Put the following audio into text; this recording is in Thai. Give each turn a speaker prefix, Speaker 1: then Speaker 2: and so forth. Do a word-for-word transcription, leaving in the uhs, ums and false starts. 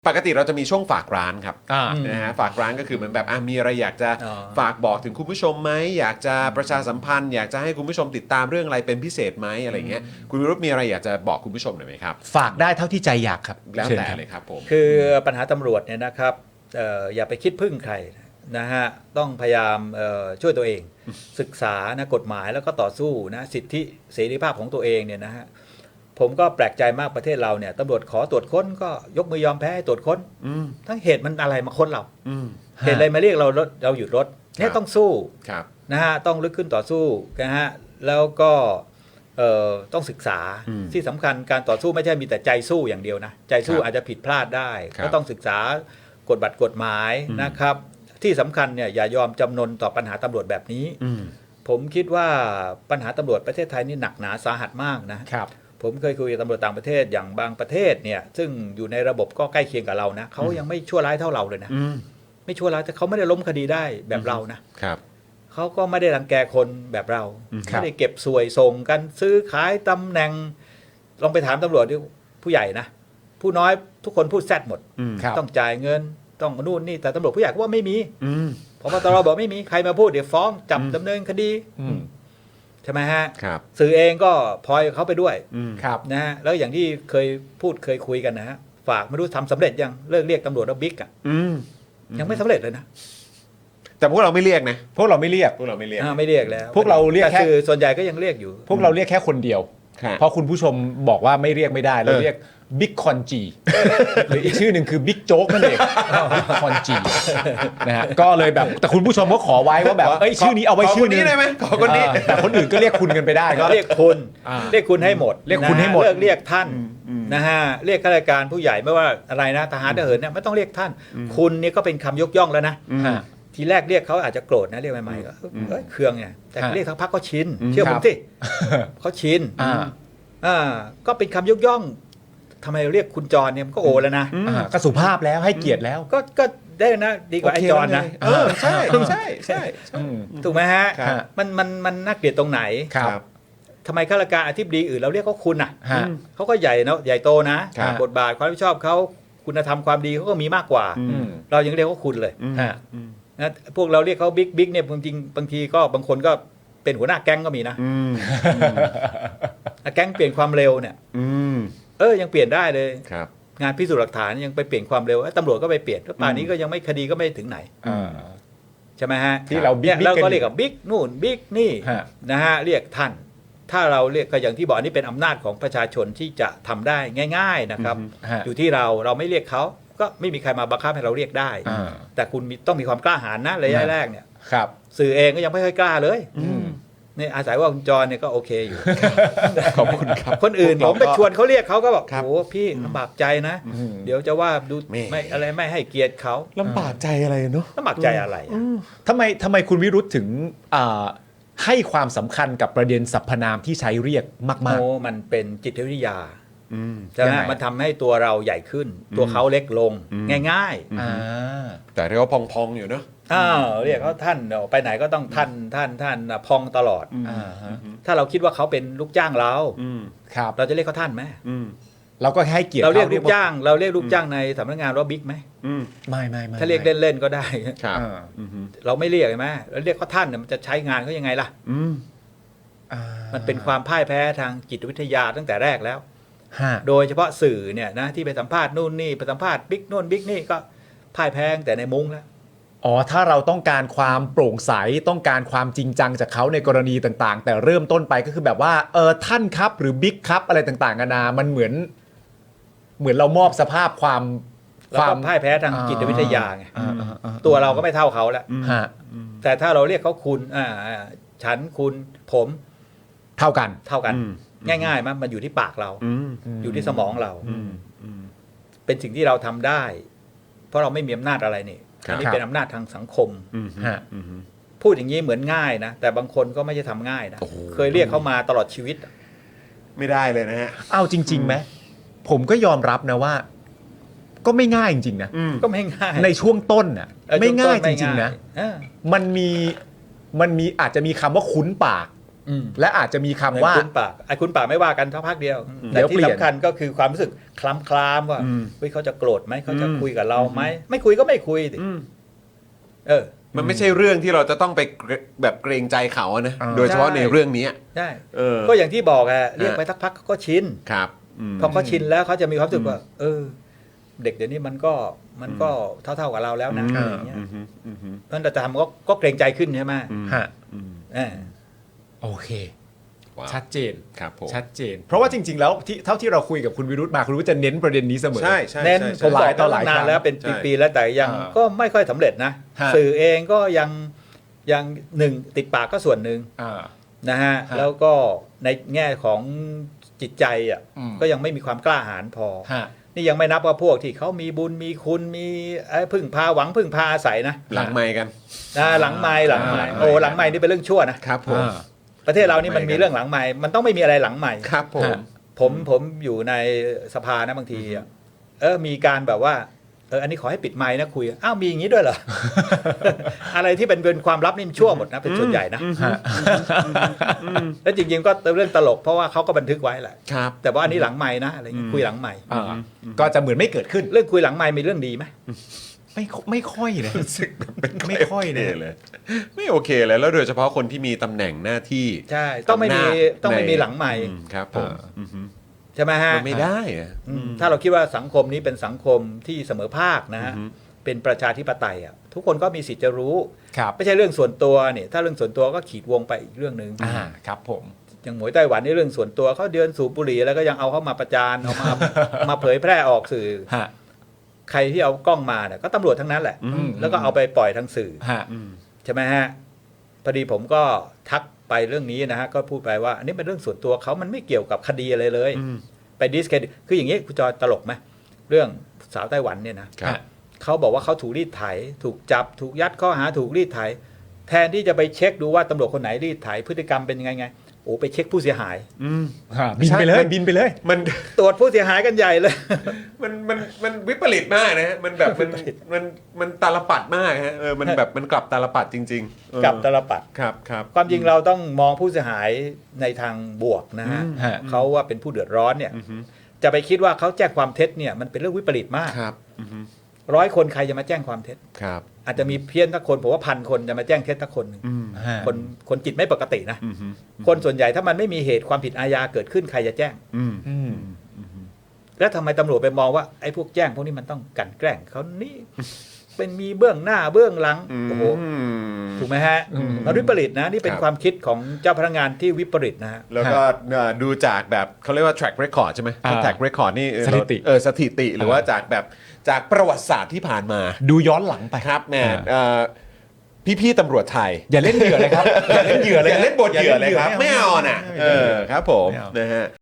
Speaker 1: ปกติเราจะมีช่วงฝากร้านครับ
Speaker 2: อ่า
Speaker 1: นะฮะฝากร้านก็คือเหมือนแบบอ่ะมีอะไรอยากจะ
Speaker 3: อ๋อ
Speaker 1: ฝากบอกถึงคุณผู้ชมไหมอยากจะประชาสัมพันธ์อยากจะให้คุณผู้ชมติดตามเรื่องอะไรเป็นพิเศษไหมอะไรเงี้ยคุณวิรุธมีอะไรอยากจะบอกคุณผู้ชมหน่อยไหมครับ
Speaker 2: ฝากได้เท่าที่ใจอยากครับ
Speaker 1: แล้ว
Speaker 2: ชิญ
Speaker 1: แต่
Speaker 2: ครับ
Speaker 1: เลยครับผม
Speaker 3: คือปัญหาตำรวจเนี่ยนะครับเอ่ออย่าไปคิดพึ่งใครนะฮะต้องพยายามเอ่อช่วยตัวเอง ศึกษานะกฎหมายแล้วก็ต่อสู้นะสิทธิเสรีภาพของตัวเองเนี่ยนะฮะผมก็แปลกใจมากประเทศเราเนี่ยตำรวจขอตรวจค้นก็ยกมือยอมแพ้ให้ตรวจค้น
Speaker 1: อืม
Speaker 3: ทั้งเหตุมันอะไรมาค้นเรา
Speaker 1: อืม
Speaker 3: เหตุอะไรมาเรียกเรารถเราหยุดรถเนี่
Speaker 1: ค
Speaker 3: ย
Speaker 1: รับ
Speaker 3: ต้องสู้
Speaker 1: ครับ
Speaker 3: นะฮะต้องลุกขึ้นต่อสู้นะฮะแล้วก็เอ่อต้องศึกษา
Speaker 1: อืม
Speaker 3: ที่สำคัญการต่อสู้ไม่ใช่มีแต่ใจสู้อย่างเดียวนะใจสู้
Speaker 1: ครับ
Speaker 3: อาจจะผิดพลาดได้
Speaker 1: ครับ
Speaker 3: ก็ต้องศึกษากฎบัตรกฎหมาย
Speaker 1: อืม
Speaker 3: นะครับ ที่สำคัญเนี่ยอย่ายอมจำนนต่อปัญหาตำรวจแบบนี้
Speaker 1: อืม
Speaker 3: ผมคิดว่าปัญหาตำรวจประเทศไทยนี่หนักหนาสาหัสมากนะครับ ผมเคยคุยกับตำรวจต่างประเทศอย่างบางประเทศเนี่ยซึ่งอยู่ในระบบก็ใกล้เคียงกับเรานะเขายังไม่ชั่วร้ายเท่าเราเลยนะ
Speaker 1: อืม
Speaker 3: ไม่ชั่วร้ายแต่เขาไม่ได้ล้มคดีได้แบบเรานะ
Speaker 1: ครับ
Speaker 3: เขาก็ไม่ได้รังแกคนแบบเรา
Speaker 1: อืม
Speaker 3: ไม่ได้เก็บสวยส่งกันซื้อขายตำแหน่ง ลองไปถามตำรวจดูผู้ใหญ่นะ ผู้น้อยทุกคนพูดแซดหมด
Speaker 1: อืม
Speaker 2: ครับ
Speaker 3: ต้องจ่ายเงินต้องนู่นนี่แต่ตำรวจผู้ใหญ่ก็ว่าไม่มี
Speaker 1: อืม
Speaker 3: พบตรบอกไม่มีใครมาพูดเดี๋ยวฟ้องจับ
Speaker 1: อืม
Speaker 3: ดำเนินคดี
Speaker 2: อืม
Speaker 3: ใช่ไหมฮะ
Speaker 1: ครับ
Speaker 3: สื่อเองก็พลอยเขาไปด้วย
Speaker 1: อืม
Speaker 2: ครับ
Speaker 3: นะฮะแล้วอย่างที่เคยพูดเคยคุยกันนะฮะฝากไม่รู้ทำสำเร็จยังเลิกเรียกตำรวจว่าบิ๊กอ่ะ
Speaker 1: อืม
Speaker 3: ยังไม่สำเร็จเลยนะ
Speaker 1: แต่พวกเราไม่เรียกนะ
Speaker 2: พวกเราไม่เรียก
Speaker 1: พวกเราไม่เรียก
Speaker 3: อ่าไม่เรียกแล้ว
Speaker 2: พวกเราเรียก
Speaker 3: แต่
Speaker 2: แค่
Speaker 3: สื่อส่วนใหญ่ก็ยังเรียกอยู่
Speaker 2: พวกเราเรียกแค่คนเดียว
Speaker 1: ครับ
Speaker 2: เพราะคุณผู้ชมบอกว่าไม่เรียกไม่ได้ เรา
Speaker 1: เออ
Speaker 2: เรียกบิ๊กคอนจีหรืออีกชื่อหนึ่งคือบิ๊กโจ๊กนั่นเองบิ๊กคอนจีนะฮะก็เลยแบบแต่คุณผู้ชมก็ขอไว้ว่าแบบเอ้ยชื่อนี้เอาไว้
Speaker 1: ข
Speaker 2: ชื่อ
Speaker 1: คน
Speaker 2: นึ
Speaker 1: นี้
Speaker 2: ง
Speaker 1: ได้ไหมขอคนนี้
Speaker 2: เออแต่คนอื่นก็เรียกคุณกันไปได้ก็
Speaker 3: เรียกคุณ
Speaker 2: อ่า
Speaker 3: เรียกคุณให้หมด
Speaker 2: เรียกคุณให้หมด
Speaker 3: นะฮะเลิกเรียกท่าน
Speaker 1: อืมอืม
Speaker 3: นะฮะเรียกข้าราชการผู้ใหญ่ไม่ว่าอะไรนะทหารทหารเนี่ยไม่ต้องเรียกท่าน คุณนี่ก็เป็นคำยกย่องแล้วนะ
Speaker 1: อืม
Speaker 2: ฮะ
Speaker 3: ทีแรกเรียกเขาอาจจะโกรธนะเรียกใหม่ๆก็
Speaker 1: อืม
Speaker 3: เอ้ยเครื่องเนี่ยแต่
Speaker 2: ฮะ
Speaker 3: เรียกทั้งพักก็ชิน
Speaker 1: อืม
Speaker 3: เชื่อ
Speaker 2: ค
Speaker 3: ผ
Speaker 2: รั
Speaker 3: ม
Speaker 2: บ
Speaker 3: สิเขาชิน
Speaker 2: อ่า
Speaker 3: อ่าก็เป็นคำยกย่องทำไมเราเรียกคุณจรเนี่ยมันก็โอแล้วนะ
Speaker 2: อ่าก็สุภาพแล้วให้เกียรติแล้ว
Speaker 3: ก็ก็ได้นะดีกว่าไอ้จรนะ
Speaker 1: เออใช่ใช่ใช่ใช่
Speaker 2: อืม
Speaker 3: ถูกไหมฮะ
Speaker 1: ครับ
Speaker 3: มันมันมันน่าเกลียดตรงไหน
Speaker 2: ครับ
Speaker 3: ทำไมข้าราชการอธิบดีอื่นเราเรียกเขาคุณอ่ะ
Speaker 2: ฮะ
Speaker 3: เขาก็ใหญ่เนาะใหญ่โตนะครับ บทบาทความรับผิดชอบเขาคุณธรรมความดีเขาก็มีมากกว่า
Speaker 1: อื
Speaker 2: อืม
Speaker 3: เรายังเรียกเขาคุณเลย
Speaker 1: อืม
Speaker 2: ฮะ
Speaker 1: อืม
Speaker 3: นะพวกเราเรียกเขาบิ๊กบิ๊กเนี่ยจริงๆบางทีก็บางคนก็เป็นหัวหน้าแก๊งก็มีนะ
Speaker 1: อืม
Speaker 3: อ่ะแก๊งเปลี่ยนความเร็วเนี่ย
Speaker 1: อืม
Speaker 3: เออยังเปลี่ยนได้เลย
Speaker 1: ครับ
Speaker 3: งานพิสูจน์หลักฐานยังไปเปลี่ยนความเร็วเอ้ยตำรวจก็ไปเปลี่ยนแล้วป่านนี้ก็ยังไม่คดีก็ไม่ถึงไหน
Speaker 2: อ่า
Speaker 3: ใช่ไหมฮะ
Speaker 2: ที่เราบิ๊ก
Speaker 3: เนี่ย
Speaker 2: บิ๊ก
Speaker 3: เรา
Speaker 2: กัน
Speaker 3: ก็เรียกกับบิ๊กนู่นบิ๊กนี่
Speaker 2: ฮะ
Speaker 3: นะฮะเรียกท่าน ถ้าเราเรียกก็อย่างที่บอกอันนี้เป็นอำนาจของประชาชนที่จะทำได้ง่าย ๆนะครับ
Speaker 2: ฮะ
Speaker 3: อยู่ที่เราเราไม่เรียกเขาก็ไม่มีใครมาบังคับให้เราเรียกได้
Speaker 2: อ่า
Speaker 3: แต่คุณมีต้องมีความกล้าหาญนะระยะแรกเนี่ย
Speaker 2: ครับ
Speaker 3: สื่อเองก็ยังไม่ค่อยกล้าเลย
Speaker 2: อืม
Speaker 3: เนี่ยอาศัยว่าคุณจรเนี่ยก็โอเคอยู่
Speaker 1: ขอบคุณครับ
Speaker 3: คนอื่น
Speaker 1: พว
Speaker 3: ผ
Speaker 1: ก
Speaker 3: ม
Speaker 1: เรา
Speaker 3: ไปชวนเขาเรียกเขาก็บอก
Speaker 1: ครับ
Speaker 3: โอ้พี่ลำบากใจนะ
Speaker 2: อืม
Speaker 3: เดี๋ยวจะว่าดู
Speaker 1: แม่
Speaker 3: ไม่อะไรไม่ให้เกียรติเขา
Speaker 1: ลำบากใจอะไรเนาะ
Speaker 3: ลำบากใจอะไรอะ
Speaker 2: ทำไมทำไมคุณวิรุธถึงอ่าให้ความสำคัญกับประเด็นสรรพนามที่ใช้เรียกมาก
Speaker 3: โอ้มันเป็นจิตวิทยา
Speaker 1: อืม
Speaker 3: ใช่ไหม
Speaker 2: ยังไง
Speaker 3: มันทำให้ตัวเราใหญ่ขึ้น ตัวเขาเล็กลง
Speaker 1: อืม
Speaker 3: ง่าย
Speaker 2: ๆอ่า
Speaker 1: แต่เรียกว่าพองๆอยู่เนาะ
Speaker 3: ๆอ้าวเรียกเขาท่านเดี๋ยวไปไหนก็ต้องท่านท่านท่านน่ะพองตลอด
Speaker 2: อ่าฮะ
Speaker 3: ถ้าเราคิดว่าเขาเป็นลูกจ้างเรา
Speaker 1: อืม
Speaker 2: ครับ
Speaker 3: เราจะเรียกเขาท่านไหม
Speaker 1: อืม
Speaker 2: เราก็ให้เกียรติ
Speaker 3: เราเรียก
Speaker 2: ข
Speaker 3: ลูกจ้าง เราเรียกลูกจ้างในสำนักงานว่าบิ๊กไหม
Speaker 1: อืม
Speaker 2: ไม่ไม่ไม่
Speaker 3: ถ้าเรียกเล่นๆก็ได้
Speaker 1: ครับ
Speaker 2: อ่า
Speaker 1: อืม
Speaker 3: เราไม่เรียกใช่ไหมแล้วเรียกเขาท่านเนี่ยมันจะใช้งานเขายังไงล่ะ
Speaker 1: อืม
Speaker 2: อ่า
Speaker 3: มันเป็นความพ่ายแพ้ทางจิตวิทยาตั้งแต่แรกแล้ว
Speaker 2: ฮะ
Speaker 3: โดยเฉพาะสื่อเนี่ยนะที่ไปสัมภาษณ์นู่นนี่ไปสัมภาษณ์บิ๊กนู่นบิ๊กนี่ก็พ่ายแพ้ตั้งแต่ในมุ้งแล้ว
Speaker 2: อ๋อถ้าเราต้องการความโปร่งใสต้องการความจริงจังจากเขาในกรณีต่างๆ แต่เริ่มต้นไปก็คือแบบว่าเออท่านครับหรือบิ๊กครับอะไรต่างๆกันานามันเหมือน เหมือนเรามอบสภาพความ
Speaker 3: แล้วก็พ่ายแพ้ทางจิตวิทยาไง
Speaker 2: อ่าอ่าอ่า
Speaker 3: ตัวเราก็ไม่เท่าเขาแล้ว
Speaker 2: ฮะ
Speaker 3: แต่ถ้าเราเรียกเขาคุณอ่าอ่าฉันคุณผม
Speaker 2: เท่ากัน
Speaker 3: เท่ากัน
Speaker 1: อืม
Speaker 3: ง่ายๆมั้ยมันอยู่ที่ปากเรา
Speaker 1: อืม
Speaker 3: อยู่ที่สมองเรา
Speaker 1: อืมอืม
Speaker 3: เป็นสิ่งที่เราทำได้ เพราะเราไม่มีอำนาจอะไรนี่
Speaker 1: ครับ
Speaker 3: อันนี้เป็นอำนาจทางสังคม
Speaker 1: อืม
Speaker 2: ฮะ
Speaker 1: อืม
Speaker 3: พูดอย่างนี้เหมือนง่ายนะแต่บางคนก็ไม่ใช่ทำง่ายนะ
Speaker 1: โอ้โห
Speaker 3: เคยเรียกเขามาตลอดชีวิต
Speaker 1: ไม่ได้เลยนะฮะ
Speaker 2: เอาจริงๆไหมผมก็ยอมรับนะว่า ก็ไม่ง่ายจริงๆนะ
Speaker 1: อืม
Speaker 3: ก็ไม่ง่าย
Speaker 2: ในช่วงต้นน่ะ
Speaker 3: เออ
Speaker 2: ไม่ง่าย
Speaker 3: ช่ว
Speaker 2: จ
Speaker 3: ต้
Speaker 2: ริงๆนะ
Speaker 3: เออ
Speaker 2: มันมีมันมีอาจจะมีคำว่าคุ้นปาก
Speaker 3: อืม
Speaker 2: และอาจจะมีคำว่า
Speaker 3: คุณปากไอ้คุณปากไม่ว่ากันเท่าพักเดียว
Speaker 2: เดี๋
Speaker 3: แต่
Speaker 2: ยว
Speaker 3: ที่
Speaker 2: เปลี่ยน
Speaker 3: สำคัญก็คือความรู้สึกคลำคลามว่า
Speaker 1: อืม
Speaker 3: เฮ้ยเขาจะโกรธไหมเขาจะ
Speaker 1: อืม
Speaker 3: คุยกับเราไหมไม่คุยก็ไม่คุยสิ
Speaker 1: อืม
Speaker 3: เออ
Speaker 1: มันไม่ใช่เรื่องที่เราจะต้องไปเกรแบบเกรงใจเขาอะนะ
Speaker 2: อ่า
Speaker 1: โดยเฉพาะ
Speaker 3: ใช่
Speaker 1: ในเรื่องนี้
Speaker 3: ใช่
Speaker 1: เออ
Speaker 3: ก็อย่างที่บอกอะเรียกไปสักพักเขาก็ชิน
Speaker 1: ครับม
Speaker 3: พอเขาชินแล้วเขาจะมีความรู้สึกว่า เออ เด็กเดี๋ยวนี้มันก็มันก็เท่าๆกับเราแล้วนะ
Speaker 1: อืม
Speaker 3: อะไรอย่างเงี้ย
Speaker 1: อืมอืมอืมอืม
Speaker 3: นั่นแต่ทำก็ก็เกรงใจขึ้นใช่ไหม
Speaker 2: ฮะ
Speaker 1: อืม
Speaker 3: เออ
Speaker 2: โอเค
Speaker 1: ว้าว
Speaker 2: ชัดเจน
Speaker 1: ครับผม
Speaker 2: ชัดเจน เพราะว่าจริง ๆ แล้วที่เท่าที่เราคุยกับคุณวิรุธมาคุณวิรุธจะเน้นประเด็นนี้เสมอ
Speaker 1: ใช่ใช่
Speaker 3: เน้น
Speaker 1: ใช่
Speaker 3: ผ
Speaker 1: ใช่
Speaker 3: มบอก
Speaker 2: หลายต่อหลาย
Speaker 3: นานแล้วเป็น
Speaker 1: ใช่
Speaker 3: ปีๆแล้วแต่ยัง
Speaker 2: อ่า
Speaker 3: ก็ไม่ค่อยสำเร็จนะ
Speaker 2: ฮะ
Speaker 3: สื่อเองก็ยังยังหนึ่งติดปากก็ส่วนหนึ่ง
Speaker 2: อ่า
Speaker 3: นะฮะ
Speaker 2: ฮะ
Speaker 3: แล้วก็ในแง่ของจิตใจอ่ะ
Speaker 2: อืม
Speaker 3: ก็ยังไม่มีความกล้าหาญพอ
Speaker 2: ฮะ
Speaker 3: นี่ยังไม่นับว่าพวกที่เขามีบุญมีคุณมีเอ้ยพึ่งพาหวังพึ่งพาอาศัยนะ
Speaker 1: หลังไมค์กัน
Speaker 3: นะหลังไม้หลังไม้
Speaker 1: อ่า
Speaker 3: โอ้หลังไม้นี่เป็นเรื่องชั่วนะครับ
Speaker 1: ผม
Speaker 2: อ่า
Speaker 3: ประเทศเรานี่มันมีเรื่องหลังไม้มันต้องไม่มีอะไรหลังไม้
Speaker 1: ครับผม
Speaker 2: ฮะ
Speaker 3: ผมผมอยู่ในสภานะบางทีอะเออมีการแบบว่าเอออันนี้ขอให้ปิดไมค์นะคุยอ้าวมีอย่างนี้ด้วยเหรอ อะไรที่เป็นเป็นความลับนี่มันชั่วหมดนะเป็นส่วนใหญ่นะ
Speaker 2: ฮะ
Speaker 3: แล้วจริงๆก็เรื่องตลกเพราะว่าเขาก็บันทึกไว้แหละ
Speaker 1: ครับ
Speaker 3: แต่ว่าอันนี้หลังไม้นะอะไรอย่างงี้คุยหลังไม้
Speaker 2: อ่าก็จะเหมือนไม่เกิดขึ้น
Speaker 3: เรื่องคุยหลังไม้มีเรื่องดีไหม
Speaker 2: ไม่ไม่ค่อยนะ
Speaker 1: รู้สึกเป็น
Speaker 2: ไม่ค่อยนะ
Speaker 1: โเคเลย ไม่โอเคเลยแล้วโดยเฉพาะคนที่มีตำแหน่งหน้าที่
Speaker 3: ใช่ต้องไม่มี
Speaker 1: ำนาจ
Speaker 3: ต้องไม่มี
Speaker 1: ใน
Speaker 3: หลังไม้
Speaker 1: อืครับผม
Speaker 2: อ่า
Speaker 1: อือฮึ
Speaker 3: ใช่ไหมฮะ
Speaker 1: มันไม่ได้อะ
Speaker 3: อืมถ้าเราคิดว่าสังคมนี้เป็นสังคมที่เสมอภาคนะฮะ
Speaker 1: อือฮึ
Speaker 3: เป็นประชาธิปไตยอ่ะทุกคนก็มีสิทธิ์จะรู้
Speaker 2: ครับ
Speaker 3: ไม่ใช่เรื่องส่วนตัวเนี่ยถ้าเรื่องส่วนตัวก็ขีดวงไปอีกเรื่องหนึ่ง
Speaker 2: อ่าครับผม
Speaker 3: อย่างหมวยไต้หวันนี่เรื่องส่วนตัวเขาเดินสูบบุหรี่แล้วก็ยังเอาเข้ามาประจานเอามา มาเผยแพร่ออกสื่อ
Speaker 2: ฮะ
Speaker 3: ใครที่เอากล้องมาเนี่ยก็ตำรวจทั้งนั้นแหละ
Speaker 1: อืม
Speaker 3: แล้วก็เอาไปปล่อยทางสื่อ
Speaker 2: ฮะ
Speaker 1: อืม
Speaker 3: ใช่ไหมฮะพอดีผมก็ทักไปเรื่องนี้นะฮะก็พูดไปว่าอันนี้เป็นเรื่องส่วนตัวเขามันไม่เกี่ยวกับคดีอะไรเลย
Speaker 1: อืม
Speaker 3: ไปดิสเครดิตคืออย่างนี้คุณจอยตลกไหมเรื่องสาวไต้หวันเนี่ยนะครับ เขาบอกว่าเขาถูกรีดไถ ถูกจับถูกยัดข้อหาถูกรีดไถ แทนที่จะไปเช็คดูว่าตำรวจคนไหนรีดไถพฤติกรรมเป็นยังไงไงโอ้ไปเช็คผู้เสียหาย
Speaker 1: อืม
Speaker 2: ฮะบินไปเลย
Speaker 1: ใช่มัน
Speaker 2: บินไปเลย
Speaker 1: มัน
Speaker 3: ตรวจผู้เสียหายกันใหญ่เลย
Speaker 1: มันมันมันวิปริตมากนะฮะมันแบบมันมันมันตาลปัดมากฮะเออมันแบบมันกลับตาลปัดจริงๆเออ
Speaker 3: กับตลปัด
Speaker 1: ครับครับ
Speaker 3: ความจริงเราต้องมองผู้เสียหายในทางบวกนะฮะ
Speaker 1: อืม
Speaker 2: ฮะ
Speaker 3: เขาว่าเป็นผู้เดือดร้อนเนี่ย
Speaker 1: อือฮึ
Speaker 3: จะไปคิดว่าเขาแจ้งความเท็จเนี่ยมันเป็นเรื่องวิปริตมาก
Speaker 1: ครับอือฮึ
Speaker 3: ร้อยคนใครจะมาแจ้งความเท็จ
Speaker 1: ครับ
Speaker 3: อาจจะมีเพี้ยนทักคนผมว่าพันคนจะมาแจ้งเท็จทักคนหนึ่ง
Speaker 1: อืม
Speaker 2: ฮะ
Speaker 3: คนคนจิตไม่ปกตินะ
Speaker 1: อือฮึ
Speaker 3: คนส่วนใหญ่ถ้ามันไม่มีเหตุความผิดอาญาเกิดขึ้นใครจะแจ้ง
Speaker 1: อืม
Speaker 2: อืม
Speaker 3: แล้วทำไมตำรวจไปมองว่าไอ้พวกแจ้งพวกนี้มันต้องกลันแกล้งเขานี่ เป็นมีเบื้องหน้าเบื้องหลังโอ้โหถูกไหมฮะ
Speaker 2: อืม
Speaker 3: มันวิปริตนะนี่เป็น
Speaker 1: ครับ
Speaker 3: ความคิดของเจ้าพนักงานที่วิปริตนะฮะ
Speaker 1: แล้วก็เอ่อดูจากแบบเขาเรียกว่า track record ใช่ไหม
Speaker 2: อ่า
Speaker 1: track record นี่เออ
Speaker 2: สถิติ
Speaker 1: เออสถิติหรือว่าจากแบบจากประวัติศาสตร์ที่ผ่านมา
Speaker 2: ดูย้อนหลังไป
Speaker 1: ครับแม่
Speaker 2: อ่า
Speaker 1: เอ่อพี่ๆตำรวจไทย
Speaker 2: อย่าเล่นเหยื่อเลยครับ อย่าเล่นเหยื่อเลย
Speaker 1: อย่าเล่นบทเหยื่อเลยครับ ไม่เอาน่ะ
Speaker 2: ไม่
Speaker 1: เอ
Speaker 2: เอา
Speaker 1: อครับผม
Speaker 2: ไม่เอา
Speaker 1: นะฮะ